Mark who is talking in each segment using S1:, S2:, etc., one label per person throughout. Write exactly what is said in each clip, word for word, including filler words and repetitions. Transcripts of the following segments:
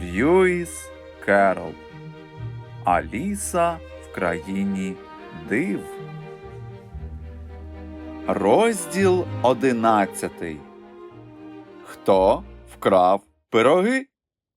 S1: Льюіс Керрол. Аліса в країні див. Розділ одинадцятий. Хто вкрав пироги?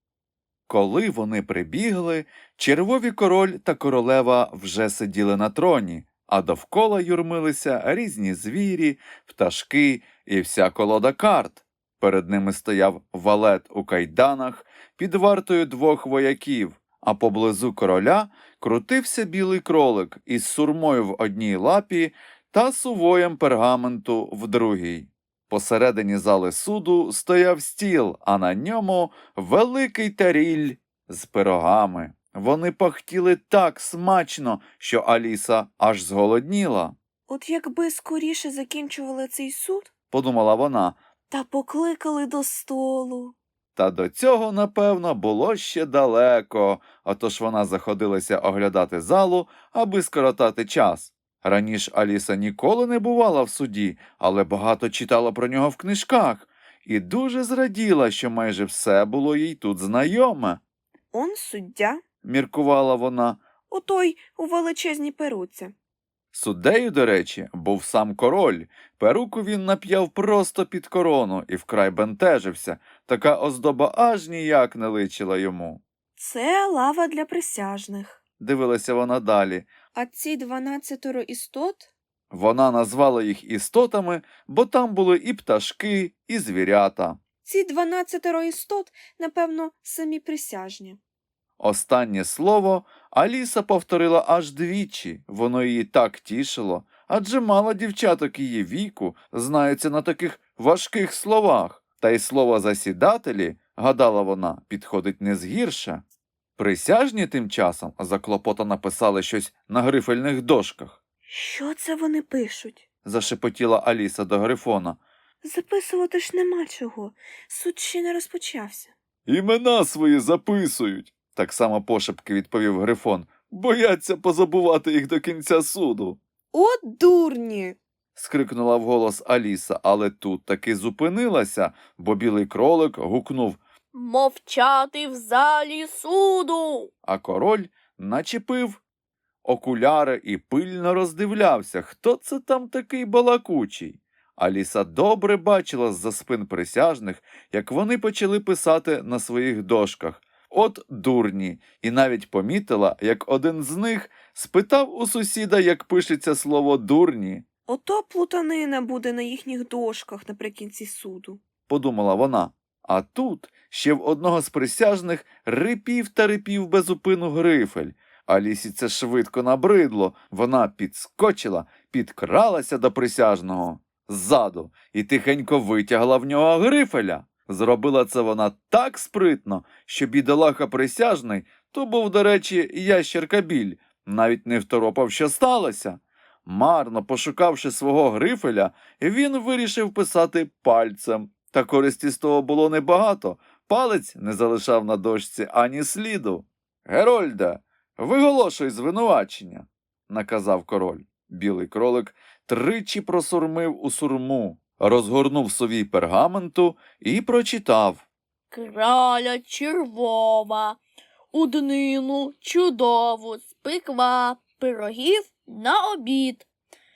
S1: Коли вони прибігли, червові король та королева вже сиділи на троні, а довкола юрмилися різні звірі, пташки і вся колода карт. Перед ними стояв валет у кайданах під вартою двох вояків, а поблизу короля крутився білий кролик із сурмою в одній лапі та сувоєм пергаменту в другій. Посередині зали суду стояв стіл, а на ньому великий таріль з пирогами. Вони пахтіли так смачно, що Аліса аж зголодніла.
S2: От якби скоріше закінчували цей суд,
S1: Подумала вона,
S2: та покликали до столу.
S1: та до цього, напевно, було ще далеко, отож вона заходилася оглядати залу, аби скоротати час. Раніше Аліса ніколи не бувала в суді, але багато читала про нього в книжках і дуже зраділа, що майже все було їй тут знайоме.
S2: Он суддя,
S1: Міркувала вона.
S2: отой у величезній перуці.
S1: Суддею, до речі, був сам король. Перуку він нап'яв просто під корону і вкрай бентежився. Така оздоба аж ніяк не личила йому.
S2: Це лава для присяжних.
S1: Дивилася вона далі.
S2: А ці дванадцятеро істот?
S1: Вона назвала їх істотами, бо там були і пташки, і звірята.
S2: Ці дванадцятеро істот, напевно, самі присяжні.
S1: Останнє слово Аліса повторила аж двічі. Воно її так тішило, адже мало дівчаток її віку знаються на таких важких словах. Та й слово «засідателі», гадала вона, підходить не згірше. Присяжні тим часом заклопотано писали щось на грифельних дошках.
S2: Що це вони пишуть?
S1: Зашепотіла Аліса до Грифона.
S2: Записувати ж нема чого. Суд ще не розпочався.
S1: «Імена свої записують», – так само пошепки відповів Грифон. «Бояться позабувати їх до кінця суду».
S2: От дурні!
S1: – скрикнула вголос Аліса, але тут таки зупинилася, бо білий кролик гукнув
S3: «Мовчати в залі суду!»
S1: А король начепив окуляри і пильно роздивлявся, хто це там такий балакучий. Аліса добре бачила з-за спин присяжних, як вони почали писати на своїх дошках. От дурні! І навіть помітила, як один з них спитав у сусіда, як пишеться слово «дурні».
S2: Ото плутанина буде на їхніх дошках наприкінці суду.
S1: Подумала вона. А тут ще в одного з присяжних рипів та рипів безупину грифель. Алісі це швидко набридло. Вона підскочила, підкралася до присяжного ззаду і тихенько витягла в нього грифеля. Зробила це вона так спритно, що бідолаха присяжний, то був, до речі, ящерка-біль, навіть не второпав, що сталося. Марно пошукавши свого грифеля, він вирішив писати пальцем. Та користі з того було небагато. Палець не залишав на дошці ані сліду. «Герольде, виголошуй звинувачення», – наказав король. Білий кролик тричі просурмив у сурму, розгорнув совій пергаменту і прочитав.
S3: «Краля червова, у днину чудову спекла пирогів на обід.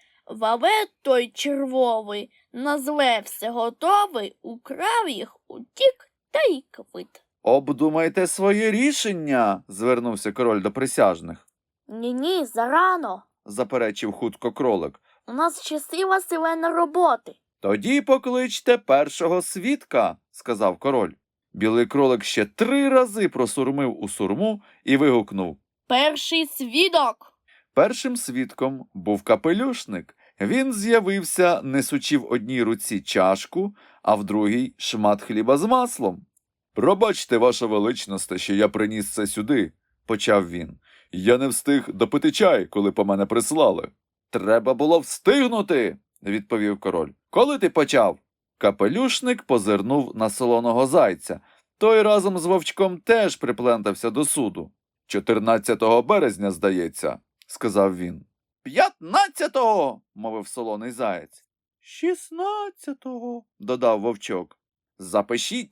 S3: Валет той червовий, назве все готовий, украв їх, утік та й квит».
S1: «Обдумайте своє рішення», – звернувся король до присяжних.
S3: «Ні-ні, зарано.
S1: – заперечив хутко кролик.
S3: У нас ще сила силена роботи».
S1: «Тоді покличте першого свідка», – сказав король. Білий кролик ще три рази просурмив у сурму і вигукнув.
S3: «Перший свідок!»
S1: Першим свідком був капелюшник. Він з'явився, несучи в одній руці чашку, а в другій шмат хліба з маслом. «Пробачте, ваша величність, що я приніс це сюди», – почав він. «Я не встиг допити чай, коли по мене прислали». «Треба було встигнути», – відповів король. «Коли ти почав?» Капелюшник позирнув на солоного зайця. Той разом з вовчком теж приплентався до суду. «чотирнадцятого березня, здається», – сказав він. «П'ятнадцятого!» – мовив солоний заєць. «Шістнадцятого!» – додав вовчок. «Запишіть»,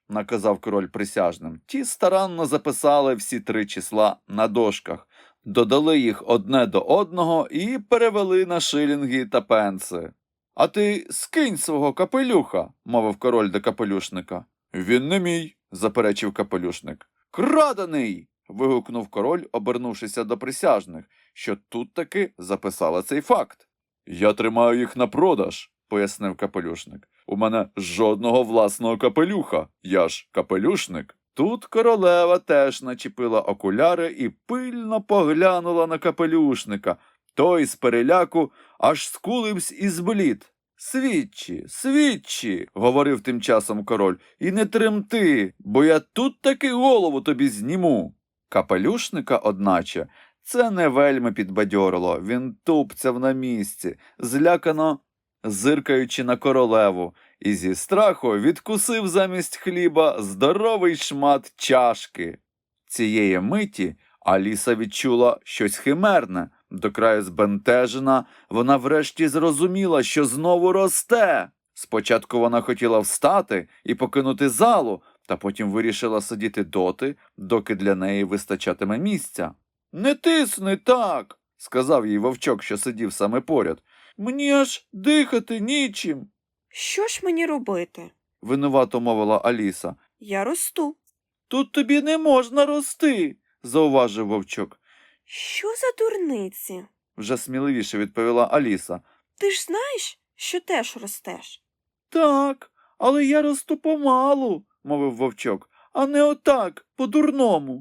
S1: наказав король присяжним. Ті старанно записали всі три числа на дошках, додали їх одне до одного і перевели на шилінги та пенси. «А ти скинь свого капелюха», – мовив король до капелюшника. «Він не мій», – заперечив капелюшник. «Крадений!» – вигукнув король, обернувшися до присяжних, що тут таки записали цей факт. «Я тримаю їх на продаж», – пояснив капелюшник. «У мене жодного власного капелюха, я ж капелюшник». Тут королева теж начепила окуляри і пильно поглянула на капелюшника. Той з переляку аж скуливсь і зблід. «Свідчі, свідчі», – говорив тим часом король, – «і не тремти, бо я тут таки голову тобі зніму». Капелюшника, одначе, це не вельми підбадьорило. Він тупцяв на місці, злякано зиркаючи на королеву, і зі страху відкусив замість хліба здоровий шмат чашки. Цієї миті Аліса відчула щось химерне. До краю збентежена, вона врешті зрозуміла, що знову росте. Спочатку вона хотіла встати і покинути залу, та потім вирішила сидіти доти, доки для неї вистачатиме місця. «Не тисни так», – сказав їй вовчок, що сидів саме поряд. «Мені аж дихати нічим».
S2: Що ж мені робити?
S1: – винувато мовила Аліса.
S2: Я росту.
S1: «Тут тобі не можна рости», – зауважив вовчок.
S2: Що за дурниці?
S1: Вже сміливіше відповіла Аліса.
S2: Ти ж знаєш, що теж ростеш?
S1: «Так, але я росту помалу», – мовив вовчок, – «а не отак, по-дурному».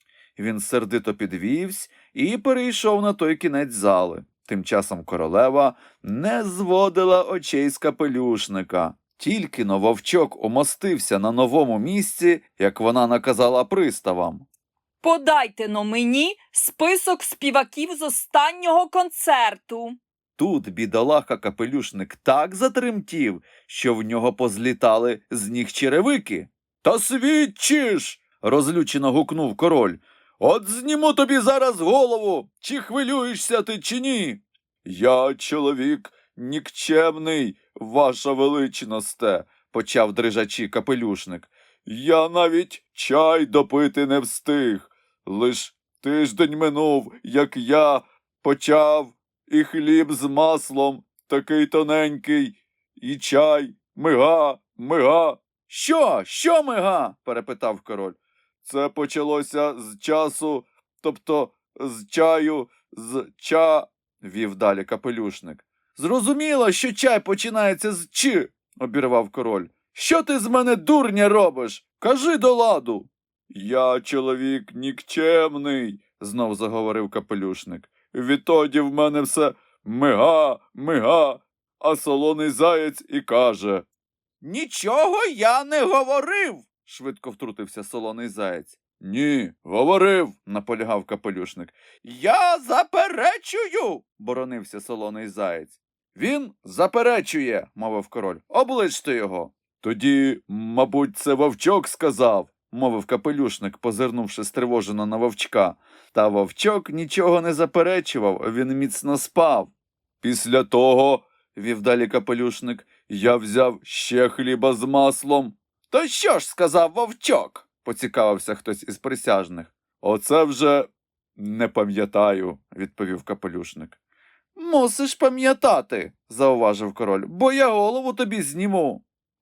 S1: Він сердито підвівсь і перейшов на той кінець зали. Тим часом королева не зводила очей з капелюшника. Тільки-но вовчок умостився на новому місці, як вона наказала приставам.
S4: «Подайте-но мені список співаків з останнього концерту».
S1: Тут бідолаха-капелюшник так затремтів, що в нього позлітали з ніг черевики. «Та свідчиш!» – розлючено гукнув король. «От зніму тобі зараз голову, чи хвилюєшся ти, чи ні?» «Я чоловік нікчемний, ваша величносте», – почав дрижачі капелюшник. «Я навіть чай допити не встиг. Лиш тиждень минув, як я почав, і хліб з маслом такий тоненький, і чай, мига, мига». «Що? Що мига?» – перепитав король. «Це почалося з часу, тобто з чаю, з ча», – вів далі капелюшник. «Зрозуміло, що чай починається з чи», – обірвав король. «Що ти з мене, дурня, робиш? Кажи до ладу». «Я чоловік нікчемний», – знов заговорив капелюшник. «Відтоді в мене все мига, мига, а солоний заєць і каже». «Нічого я не говорив», – швидко втрутився солоний заєць. «Ні, говорив», – наполягав капелюшник. «Я заперечую», – боронився солоний заєць. «Він заперечує», – мовив король. «Обличте його». «Тоді, мабуть, це вовчок сказав», – мовив капелюшник, позирнувши стривожено на вовчка. Та вовчок нічого не заперечував, він міцно спав. «Після того», – вів далі капелюшник, – «я взяв ще хліба з маслом». «То що ж сказав вовчок?» – поцікавився хтось із присяжних. «Оце вже не пам'ятаю», – відповів капелюшник. «Мусиш пам'ятати», – зауважив король, – «бо я голову тобі зніму».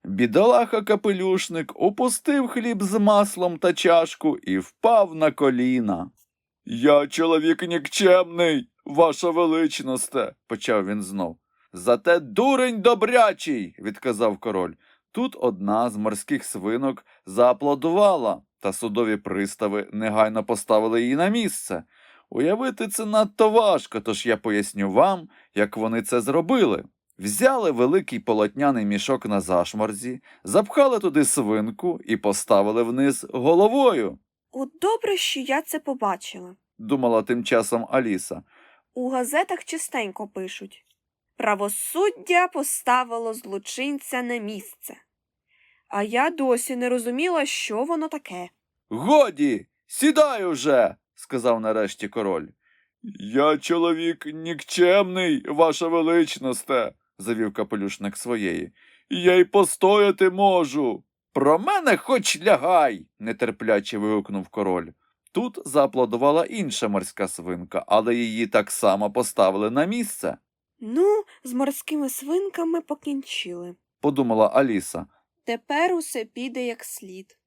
S1: Бідолаха-капелюшник упустив хліб з маслом та чашку і впав на коліна. «Я чоловік нікчемний, ваша величносте», – почав він знов. «Зате дурень добрячий», – відказав король. Тут одна з морських свинок зааплодувала, та судові пристави негайно поставили її на місце. Уявити це надто важко, тож я поясню вам, як вони це зробили. Взяли великий полотняний мішок на зашморзі, запхали туди свинку і поставили вниз головою.
S2: От добре, що я це побачила.
S1: Думала тим часом Аліса.
S2: У газетах частенько пишуть. Правосуддя поставило злочинця на місце. А я досі не розуміла, що воно таке.
S1: «Годі, сідай уже!» – сказав нарешті король. «Я чоловік нікчемний, ваша величносте», – завів капелюшник своєї. «Я й постояти можу». Про мене хоч лягай, нетерпляче вигукнув король. Тут зааплодувала інша морська свинка, але її так само поставили на місце,
S2: Ну, з морськими свинками покінчили.
S1: подумала Аліса.
S2: Тепер усе піде як слід.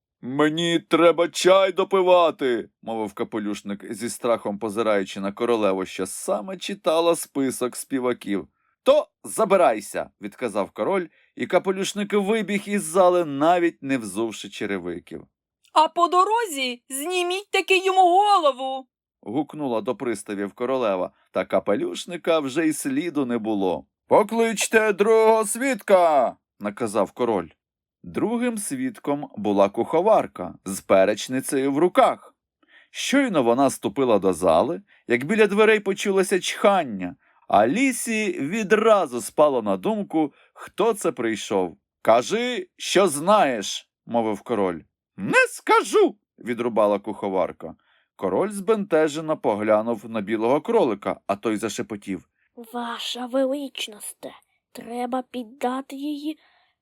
S1: Мені треба чай допивати, мовив капелюшник зі страхом позираючи на королеву, що саме читала список співаків. То забирайся, відказав король, і капелюшник вибіг із зали, навіть не взувши черевиків.
S4: А по дорозі зніміть таки йому голову.
S1: Гукнула до приставів королева, та капелюшника вже й сліду не було. Покличте другого свідка, наказав король. Другим свідком була куховарка з перечницею в руках. Щойно вона ступила до зали, як біля дверей почулося чхання, а Лісі відразу спало на думку, хто це прийшов. «Кажи, що знаєш», – мовив король. «Не скажу», – відрубала куховарка. Король збентежено поглянув на білого кролика, а той зашепотів.
S3: Ваша величність, треба піддати її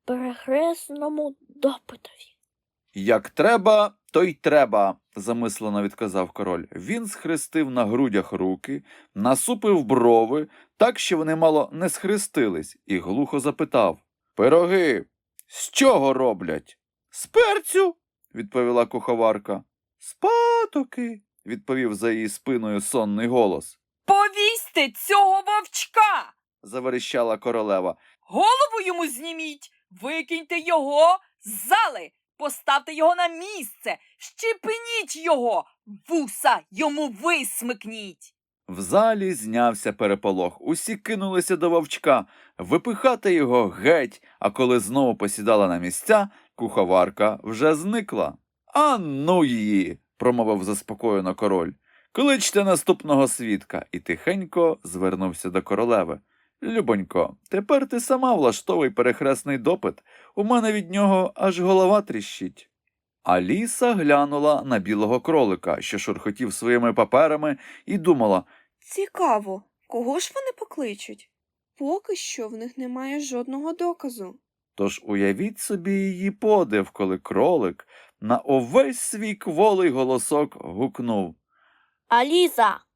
S3: перехресному допитові.
S1: «Як треба, то й треба», – замислено відказав король. Він схрестив на грудях руки, насупив брови, так, що вони мало не схрестились, і глухо запитав. «Пироги з чого роблять?» «З перцю», – відповіла куховарка. «З патоки», – відповів за її спиною сонний голос.
S4: Повісьте цього вовчка.
S1: Заверещала королева.
S4: Голову йому зніміть, викиньте його з зали, поставте його на місце, щепніть його, вуса йому висмикніть.
S1: В залі знявся переполох. Усі кинулися до вовчка, випихати його геть, а коли знову посідала на місця, куховарка вже зникла. «А ну її!» – промовив заспокоєно король. «Кличте наступного свідка!» І тихенько звернувся до королеви. «Любонько, тепер ти сама влаштовуй перехресний допит. У мене від нього аж голова тріщить». Аліса глянула на білого кролика, що шурхотів своїми паперами, і думала,
S2: Цікаво, кого ж вони покличуть? Поки що в них немає жодного доказу.
S1: тож уявіть собі її подив, коли кролик на увесь свій кволий голосок гукнув.
S3: Аліса,